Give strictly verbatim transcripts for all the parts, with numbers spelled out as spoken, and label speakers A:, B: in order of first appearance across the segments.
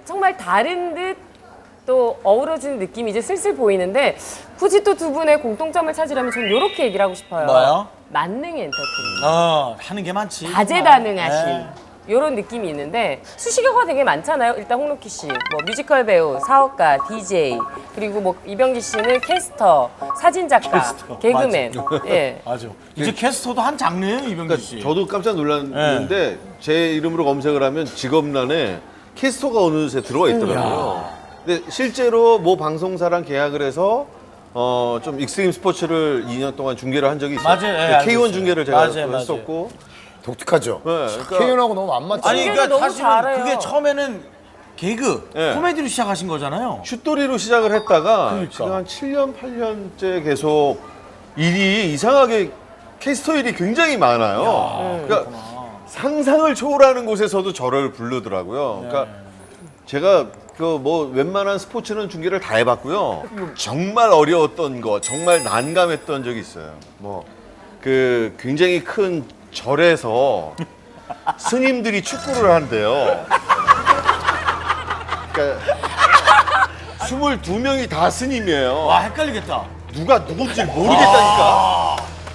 A: 정말 다른 듯 또 어우러지는 느낌이 이제 슬슬 보이는데 굳이 또 두 분의 공통점을 찾으려면 저는 이렇게 얘기를 하고 싶어요.
B: 뭐요?
A: 만능 엔터테인먼트.
B: 어, 하는 게 많지.
A: 다재다능하신
B: 네.
A: 이런 느낌이 있는데 수식어가 되게 많잖아요. 일단 홍록희 씨, 뭐 뮤지컬 배우, 사업가, 디제이, 그리고 뭐 이병기 씨는 캐스터, 사진 작가,
B: 캐스터.
A: 개그맨.
B: 맞아.
A: 예.
B: 맞아. 이제 캐스터도 한 장르예요, 이병기
C: 그러니까
B: 씨.
C: 저도 깜짝 놀랐는데 제 이름으로 검색을 하면 직업란에 캐스터가 어느새 들어가 있더라고요. 근데 실제로 모 방송사랑 계약을 해서 어, 좀 익스트림 스포츠를 이 년 동안 중계를 한 적이 있어요.
B: 맞아요. 예, 알고
C: 케이원
B: 있어요.
C: 중계를 제가
B: 맞아요,
C: 또
B: 맞아요.
C: 했었고.
D: 독특하죠.
C: 네, 그러니까
D: 케이온하고 너무 안 맞죠.
B: 아니, 그러니까
A: 너무
B: 사실은
A: 잘해요.
B: 그게 처음에는 개그,
C: 네.
B: 코미디로 시작하신 거잖아요.
C: 슛돌이로 시작을 했다가
B: 그러니까.
C: 지금 한 칠 년, 팔 년째 계속 일이 이상하게 캐스터 일이 굉장히 많아요. 그러니까 상상을 초월하는 곳에서도 저를 부르더라고요. 그러니까 제가 그 뭐 웬만한 스포츠는 중계를 다 해봤고요. 정말 어려웠던 거, 정말 난감했던 적이 있어요. 뭐 그 굉장히 큰 절에서 스님들이 축구를 한대요. 그러니까 스물두 명이 다 스님이에요.
B: 와, 헷갈리겠다.
C: 누가 누군지 모르겠다니까.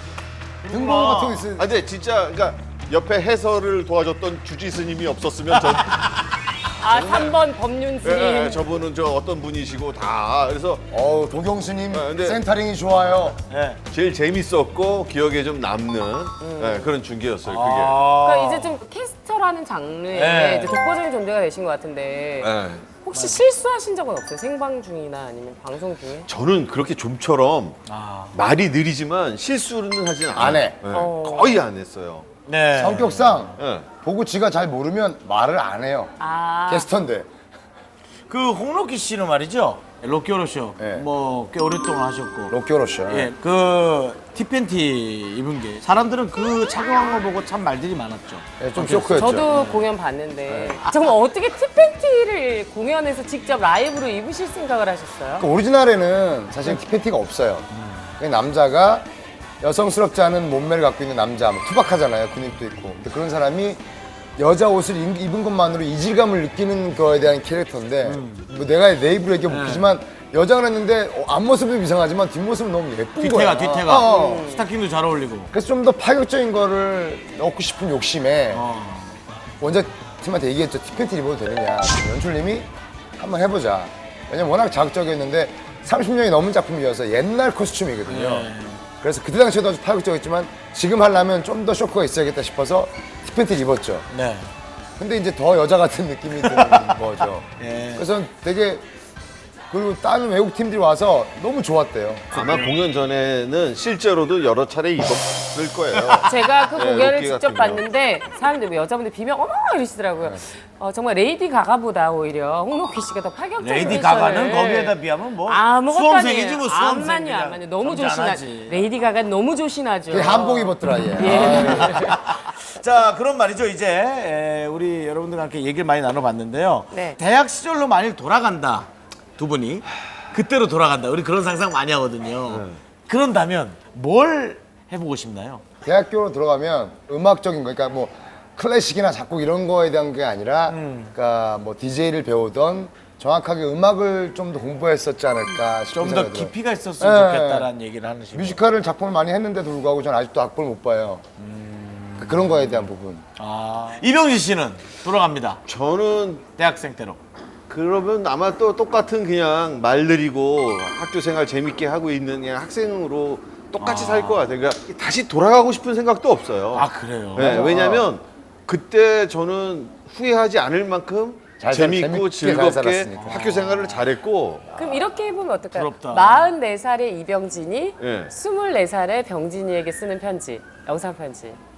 D: 등번호 같은 거 있어요.
C: 아, 근데 진짜 그러니까 옆에 해설을 도와줬던 주지 스님이 없었으면 저,
A: 아, 삼 번 법륜 스님.
C: 예, 예, 저분은 저 어떤 분이시고 다 그래서
D: 어우, 도경수님
C: 네, 근데-
D: 센터링이 좋아요.
B: 네.
C: 제일 재밌었고 기억에 좀 남는 예, 그런 중계였어요. 그게.
B: 아.
A: 그러니까 이제 좀 캐스터라는 장르에
B: 네.
A: 이제 독보적인 존재가 되신 것 같은데
C: 예.
A: 혹시 실수하신 적은 없어요? 생방 중이나 아니면 방송 중에?
C: 저는 그렇게 좀처럼
B: 아.
C: 말이 느리지만 실수는 하진 않아요.
D: 안 해.
C: 예,
A: 어.
C: 거의 안 했어요.
B: 네.
D: 성격상
C: 예.
D: 보고 지가 잘 모르면 말을 안 해요.
A: 아,
D: 게스트인데.
B: 그 홍록기 씨는 말이죠. 로키오로쇼
D: 네.
B: 뭐 꽤 오랫동안 하셨고.
D: 로키오로쇼.
B: 예, 그 티팬티 입은 게 사람들은 그 착용한 거 보고 참 말들이 많았죠.
D: 예, 좀 쇼크였죠.
A: 저도 공연 봤는데 정말 어떻게 티팬티를 공연에서 직접 라이브로 입으실 생각을 하셨어요?
D: 그 오리지널에는 사실 티팬티가 없어요. 그냥 남자가 여성스럽지 않은 몸매를 갖고 있는 남자, 뭐 투박하잖아요. 근육도 있고. 근데 그런 사람이 여자 옷을 입- 입은 것만으로 이질감을 느끼는 거에 대한 캐릭터인데 뭐 내가 내 입으로 얘기 웃기지만 여자가 했는데 어, 앞모습은 이상하지만 뒷모습은 너무 예쁜 거야.
B: 뒤태가 뒤태가
D: 어.
B: 스타킹도 잘 어울리고.
D: 그래서 좀 더 파격적인 거를 넣고 싶은 욕심에
B: 어.
D: 원작팀한테 얘기했죠. 티팬티 입어도 되느냐. 연출님이 한번 해보자. 왜냐면 워낙 자극적이었는데 삼십 년이 넘은 작품이어서 옛날 코스튬이거든요.
B: 네.
D: 그래서 그때 당시에도 아주 파격적이었지만 지금 하려면 좀 더 쇼크가 있어야겠다 싶어서 티팬티를 입었죠.
B: 네.
D: 근데 이제 더 여자 같은 느낌이 드는 거죠.
B: 예.
D: 그래서 되게 그리고 다른 외국 팀들이 와서 너무 좋았대요.
C: 아마 공연 전에는 실제로도 여러 차례 입었을 거예요.
A: 제가 그
C: 네,
A: 공연을
C: 로키
A: 직접
C: 같은
A: 봤는데 사람들 뭐 여자분들 비명 어머 이러시더라고요. 어, 정말 레이디 가가보다 오히려 홍록희 씨가 더 파격적인
B: 레이디
A: 패션을
B: 가가는 거기에다 비하면 뭐
A: 아무것도
B: 수험생이지
A: 아니에요.
B: 뭐 수험생.
A: 안만요,
B: 그냥
A: 안만요. 너무 조신하.
B: 점잖하지.
A: 레이디 가가 너무 조신하죠.
D: 되게 한복 입었더라 얘.
A: 예.
B: 자, 그럼 말이죠. 이제 에, 우리 여러분들과 함께 얘기를 많이 나눠봤는데요.
A: 네.
B: 대학 시절로 만일 돌아간다, 두 분이 그때로 돌아간다. 우리 그런 상상 많이 하거든요. 그런다면 뭘 해보고 싶나요?
D: 대학교로 들어가면 음악적인 거, 그러니까 뭐 클래식이나 작곡 이런 거에 대한 게 아니라, 그러니까 뭐 디제이를 배우던 정확하게 음악을 좀 더 공부했었지 않을까 싶은
B: 좀 더
D: 생각이 들어요.
B: 깊이가 있었으면
D: 네.
B: 좋겠다라는 얘기를 하는 식으로.
D: 뮤지컬을 작품을 많이 했는데도 불구하고 저는 아직도 악보를 못 봐요. 그- 그런 거에 대한 부분.
B: 아, 이병진 씨는 돌아갑니다.
C: 저는
B: 대학생 때로.
C: 그러면 아마 또 똑같은 그냥 말 느리고 학교 생활 재밌게 하고 있는 그냥 학생으로 똑같이 살 것 같아요. 그러니까 다시 돌아가고 싶은 생각도 없어요.
B: 아, 그래요?
C: 네, 왜냐면 그때 저는 후회하지 않을 만큼
D: 잘 살-
C: 재밌고
D: 재밌게 잘
C: 즐겁게
D: 살았으니까.
C: 학교 생활을 잘했고
A: 그럼 이렇게 해보면 어떨까요?
B: 부럽다.
A: 마흔네 살의 이병진이
C: 예.
A: 스물네 살의 병진이에게 쓰는 편지, 영상 편지.